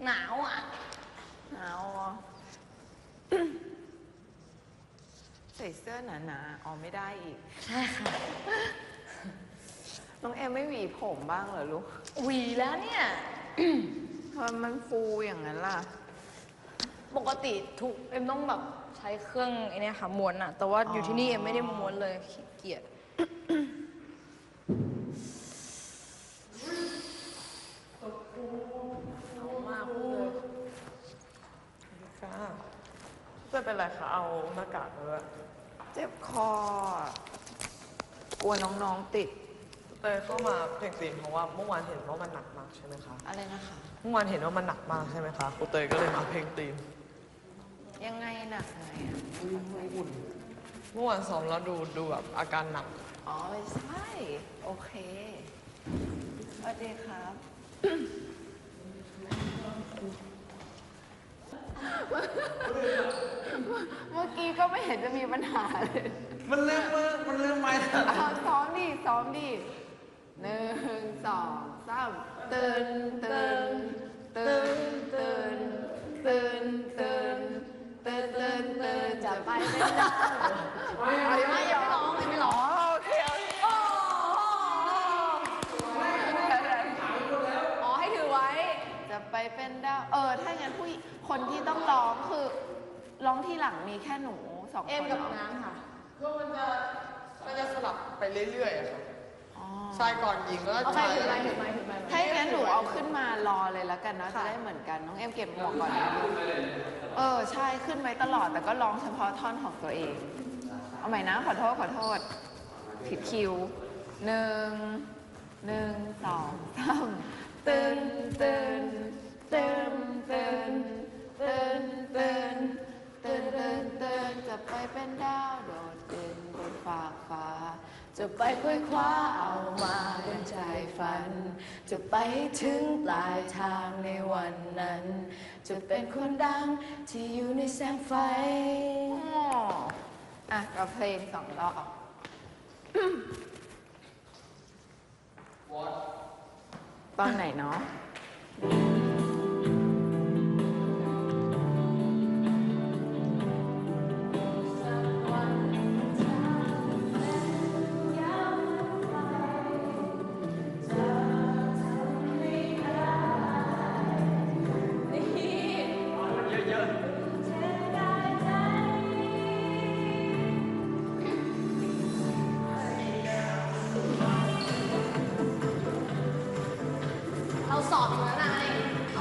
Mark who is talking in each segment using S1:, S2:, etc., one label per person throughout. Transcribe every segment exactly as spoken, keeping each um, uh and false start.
S1: หนาวอ่ะ
S2: หนาวอ่ะใส่เสื้อหนาๆอ๋อไม่ได้อีก
S1: ใช่ค่ะ
S2: น้องเอ็มไม่หวีผมบ้างเหรอลูก
S1: หวีแล้วเนี่ย
S2: ทำไมมันฟูอย่างนั้นล่ะ
S1: ปกติถูกเอ็มต้องแบบใช้เครื่องไอ้นี่ค่ะม้วนอะแต่ว่าอยู่ที่นี่เอ็มไม่ได้ม้วนเลยขี้เกียจเอามากเลย
S3: ค่ะจะเป็นไรคะเอาหน้ากากมาด้วย
S2: เจ็บคอกลัวน้องๆติด
S3: เตยเข้ามาเพลงตีนเพราะว่าเมื่อวานเห็นว่ามันหนักมากใช่ไหมคะ
S2: อะไรนะคะ
S3: เมื่อวานเห็นว่ามันหนักมากใช่ไหมคะครูเตยก็เลยมาเพลงตีน
S2: ยังไงหนักไงอ่ะ
S3: อุ่นเมื่อวานซ้อมแล้วดูดูแบบอาการหนัก
S2: อ๋อใช่โอเคสวัสดีครับเมื่อกี้ก็ไม่เห็นจะมีปัญหาเลย
S3: มันเริ่มมือมันเริ่มไหม
S2: เอาซ้อมดิซ้อมดิหนึ่งสองสามตื่นตื่นตื่นตื่นตื่นตื่นตื่นตื่นตื่นจะไปเป็นดาวไม่ไม่ยังไม่ร้องไม่ร้องโอเคโอเค
S1: อ๋อให้ถือไว้
S2: จะไปเป็นดาวเออถ้างั้นผู้คนที่ต้องร้องคือร้องที่หลังมีแค่หนูสองคน
S1: เอ็มกับน้ำค่ะ
S3: ก็มันจะมันจะสลับไปเรื่อยๆอะครับชายก่อนหญิงแล้ว
S1: ชายถือไม้ถือไม้ถือไม้
S2: ถ้าอย่างนั้นหนูเอาขึ้นมารอเลยแล้วกันนะจะได้เหมือนกันน้องเอ็มเก็บหมวกก่อนนะเออใช่ขึ้นไว้ตลอดแต่ก็ร้องเฉพาะท่อนของตัวเองเอาใหม่นะขอโทษขอโทษผิดคิวหนึ่งหนึ่งสองสามตื่นตื่นตื่นตื่นตื่นตื่นตื่นตื่นตื่นจะไปเป็นดาวโดดเด่นบนฟากฟ้าจะไปคว้ยคว้าเอามาเป็นใจฝันจะไปถึงปลายทางในวันนั้นจะเป็นคนดังที่อยู่ในแสงไฟอ่ะกับเพลงสองรอบตอนไหนเนาะ
S1: เราสอบอยู่แล้วนาย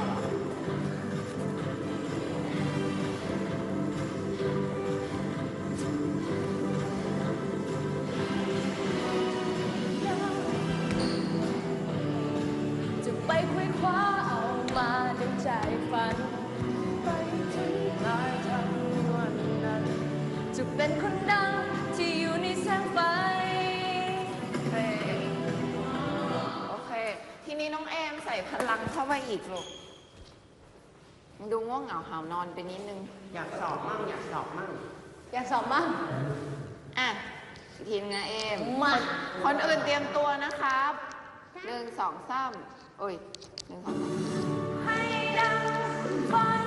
S2: จะไปคว้ยคว้าเอามาดังใจฝันไปถึงปลายทางวันนั้นจะเป็นคนดังที่อยู่ในแสงไฟโอเคทีนี้น้องแอมใส่พลังเข้าไปอีกลูกดูง่วงเหงาหาวนอนไปนิดนึง
S3: อยากสอบมั่งอยากสอบมั่ง
S1: อยากสอบมั่ง
S2: อ่ะทีมงานเอมมาคนอื่นเตรียมตัวนะครับหนึ่งสองสามโอ้ยหนึ่งสองสามให้ดังฝัน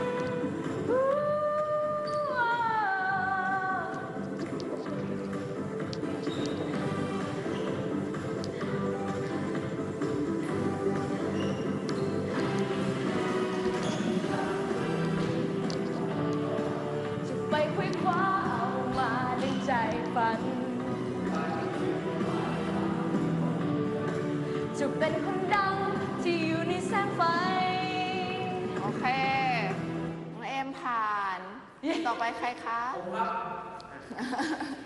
S2: ไปคว้ยคว้าเอามาในใจฝันจะเป็นคนดังที่อยู่ในแสงไฟโอเคน้องเอ็มผ่านต่อไปใครคะผมครับ